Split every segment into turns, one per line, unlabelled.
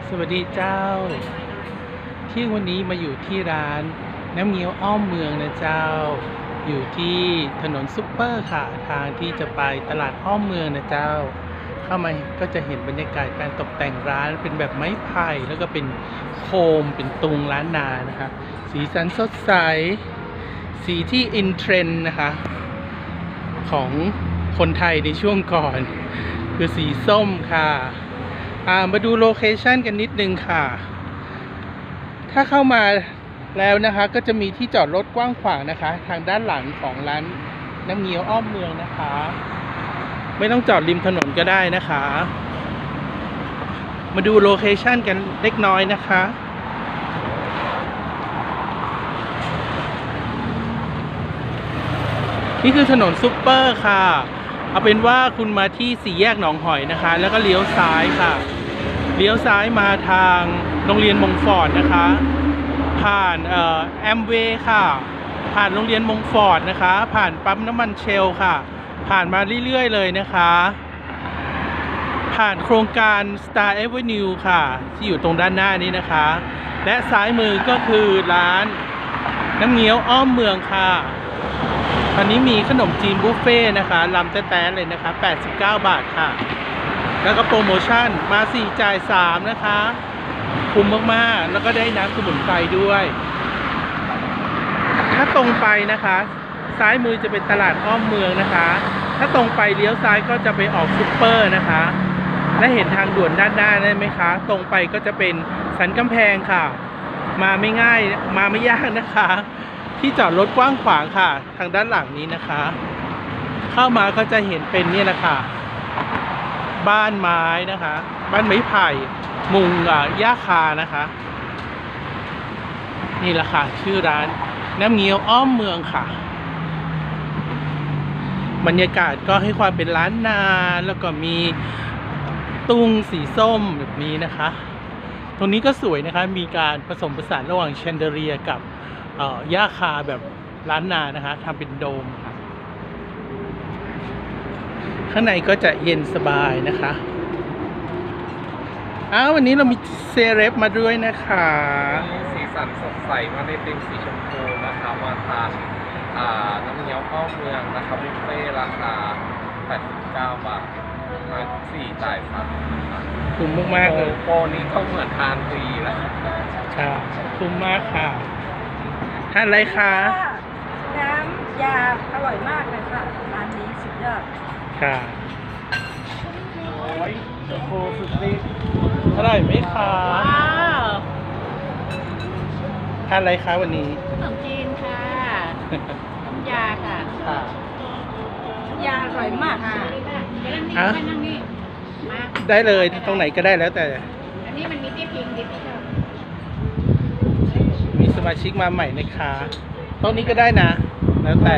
สวัสดีเจ้าที่วันนี้มาอยู่ที่ร้านน้ำเงี้ยวอ้อมเมืองนะเจ้าอยู่ที่ถนนซุปเปอร์ค่ะทางที่จะไปตลาดอ้อมเมืองนะเจ้าเข้ามาก็จะเห็นบรรยากาศการตกแต่งร้านเป็นแบบไม้ไผ่แล้วก็เป็นโคมเป็นตุงล้านนานะคะสีสันสดใสสีที่อินเทรนด์นะคะของคนไทยในช่วงก่อนคือสีส้มค่ะมาดูโลเคชันกันนิดนึงค่ะถ้าเข้ามาแล้วนะคะก็จะมีที่จอดรถกว้างขวางนะคะทางด้านหลังของร้านน้ำเงี้ยวอ้อมเมืองนะคะไม่ต้องจอดริมถนนก็ได้นะคะมาดูโลเคชันกันเล็กน้อยนะคะนี่คือถนนซุปเปอร์ค่ะเอาเป็นว่าคุณมาที่สี่แยกหนองหอยนะคะแล้วก็เลี้ยวซ้ายค่ะเลี้ยวซ้ายมาทางโรงเรียนมงฟอร์ดนะคะผ่านแอมเวย์ค่ะผ่านโรงเรียนมงฟอร์ดนะคะผ่านปั๊มน้ำมันเชลค่ะผ่านมาเรื่อยๆเลยนะคะผ่านโครงการ Star Avenue ค่ะที่อยู่ตรงด้านหน้านี้นะคะและซ้ายมือก็คือร้านน้ำเงี้ยวอ้อมเมืองค่ะตอนนี้มีขนมจีนบุฟเฟ่นะคะลำแต๊ะๆเลยนะคะ89 บาทค่ะแล้วก็โปรโมชั่นมา4จ่าย3นะคะคุ้มมากๆแล้วก็ได้น้ำสมุนไพรด้วยถ้าตรงไปนะคะซ้ายมือจะเป็นตลาดอ้อมเมืองนะคะถ้าตรงไปเลี้ยวซ้ายก็จะไปออกซุปเปอร์นะคะและเห็นทางด่วนด้านหน้าได้ไหมคะตรงไปก็จะเป็นสันกำแพงค่ะมาไม่ง่ายมาไม่ยากนะคะที่จอดรถกว้างขวางค่ะทางด้านหลังนี้นะคะเข้ามาก็จะเห็นเป็นนี่แหละค่ะบ้านไม้นะคะบ้านไม้ไผ่มุงหญ้าคานะคะนี่แหละค่ะชื่อร้านน้ำเงี้ยวอ้อมเมืองค่ะบรรยากาศก็ให้ความเป็นล้านนาแล้วก็มีตุงสีส้มแบบนี้นะคะตรงนี้ก็สวยนะคะมีการผสมผสานระหว่างแชนเดอเลียกับหญ้าคาแบบล้านนานะคะทำเป็นโดมค่ะข้างในก็จะเย็นสบายนะคะวันนี้เรามีเซเลบมาด้วยนะคะ
สีสันสดใสมาในธีมสีชมพูนะคะมาทานน้ำเงี้ยวอ้อมเมืองนะครับบุฟเฟ่ราคา89 บาทมา4จ่าย3
คุ้มมากๆเลย
โปรนี้ก็เหมือนทานฟรีแหละ
ค่ะคุ้มมากค่ะทานอะไรคะ
น้ำยาอร่อยมากเลยค่ะร้านนี้สุดยอด
ค่ะโอ้สุดฤทธิ์อร่อยไหมคะ
ว้าว
ทานอะไรคะวันนี้
ขนมจีนค่ะน้ำยาค่ะ
ค่ะ
ยาอร่อยมากค่ะ
นั่งนี่ได้เลยตรงไหนก็ได้แล้วแต่
อันนี้มันมีที่พิงดิพี่ชอบ
มีสมาชิกมาใหม่นะคะโต๊ะนี้ก็ได้นะแล้วแต่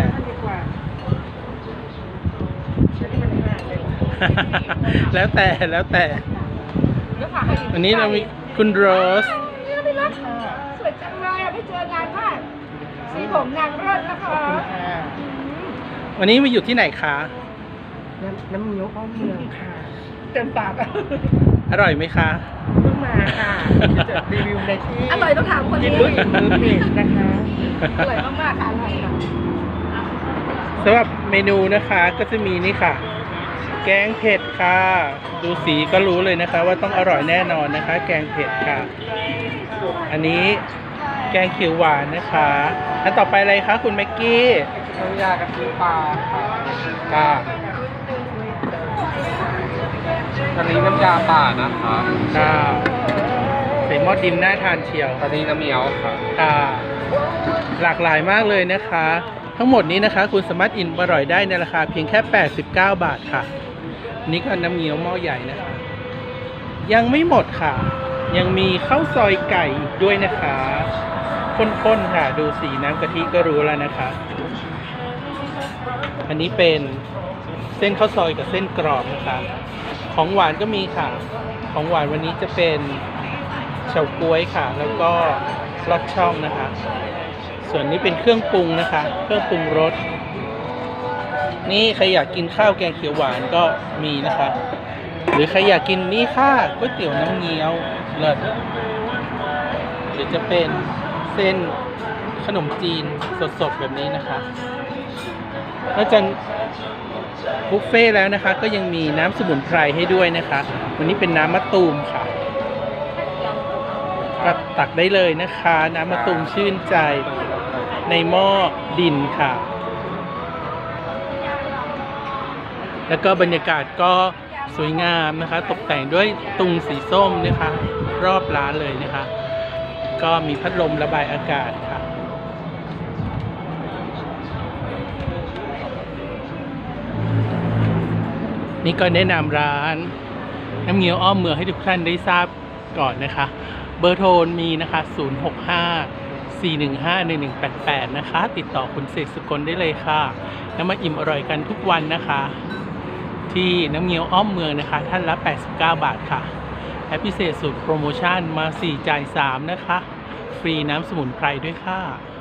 แล้วแต่วันนี้เรามีคุณโรส
สวยจังเลยไม่เจอนานมากสีผมนางเลิศนะคะ
วันนี้มาอยู่ที่ไหนคะ
น้ำเงี้ยวอ้อมเมืองค่ะเต็มปาก
อร่อยไหมคะ
เพิ่งมาค่ะจะรีวิวในที่อร่อยต้องถามคนนี้เพจนะคะอร่อยมากๆค่ะอร่อยค่ะ
สำหรับเมนูนะคะก็จะมีนี่ค่ะแกงเผ็ดค่ะดูสีก็รู้เลยนะคะว่าต้องอร่อยแน่นอนนะคะแกงเผ็ดค่ะอันนี้แกงเขียวหวานนะคะอันต่อไปอะไรคะคุณแม็กกี้
น้ำยากะทิปลา
ค่ะ
อันนี้น้ำยาป่านะคะ
ค่ะใส่หม้อดินน่าทานเชียว
อันนี้น้ำเงี้ยวค่ะ
หลากหลายมากเลยนะคะทั้งหมดนี้นะคะคุณสามารถอิ่มอร่อยได้ในราคาเพียงแค่89 บาทค่ะนี่ก็น้ำเงี้ยวหม้อใหญ่นะคะยังไม่หมดค่ะยังมีข้าวซอยไก่อีกด้วยนะคะข้นๆค่ะดูสีน้ำกะทิก็รู้แล้วนะคะอันนี้เป็นเส้นข้าวซอยกับเส้นกรอบนะคะของหวานก็มีค่ะของหวานวันนี้จะเป็นเฉาก๊วยค่ะแล้วก็ลอดช่องนะคะส่วนนี้เป็นเครื่องปรุงนะคะเครื่องปรุงรสนี่ใครอยากกินข้าวแกงเขียวหวานก็มีนะคะหรือใครอยากกินนี่ค่ะก๋วยเตี๋ยวน้ำเงี้ยวเลิศหรือจะเป็นเส้นขนมจีนสดๆแบบนี้นะคะนอกจากบุฟเฟ่ต์แล้วนะคะ ก็ยังมีน้ำสมุนไพรให้ด้วยนะคะ วันนี้เป็นน้ำมะตูมค่ะก็ตักได้เลยนะคะ น้ำมะตูมชื่นใจในหม้อดินค่ะ แล้วก็บรรยากาศก็สวยงามนะคะ ตกแต่งด้วยตุงสีส้มนะคะ รอบร้านเลยนะคะ ก็มีพัดลมระบายอากาศค่ะนี่ก็แนะนำร้านน้ำเงี้ยวอ้อมเมืองให้ทุกท่านได้ทราบก่อนนะคะ เบอร์โทรมีนะคะ 065-415-1188 นะคะ ติดต่อคุณเสกสุกลได้เลยค่ะ แล้วมาอิ่มอร่อยกันทุกวันนะคะ ที่น้ำเงี้ยวอ้อมเมืองนะคะ ท่านละ 89 บาทค่ะและพิเศษสุดโปรโมชั่นมา 4 จ่าย 3 นะคะ ฟรีน้ำสมุนไพรด้วยค่ะ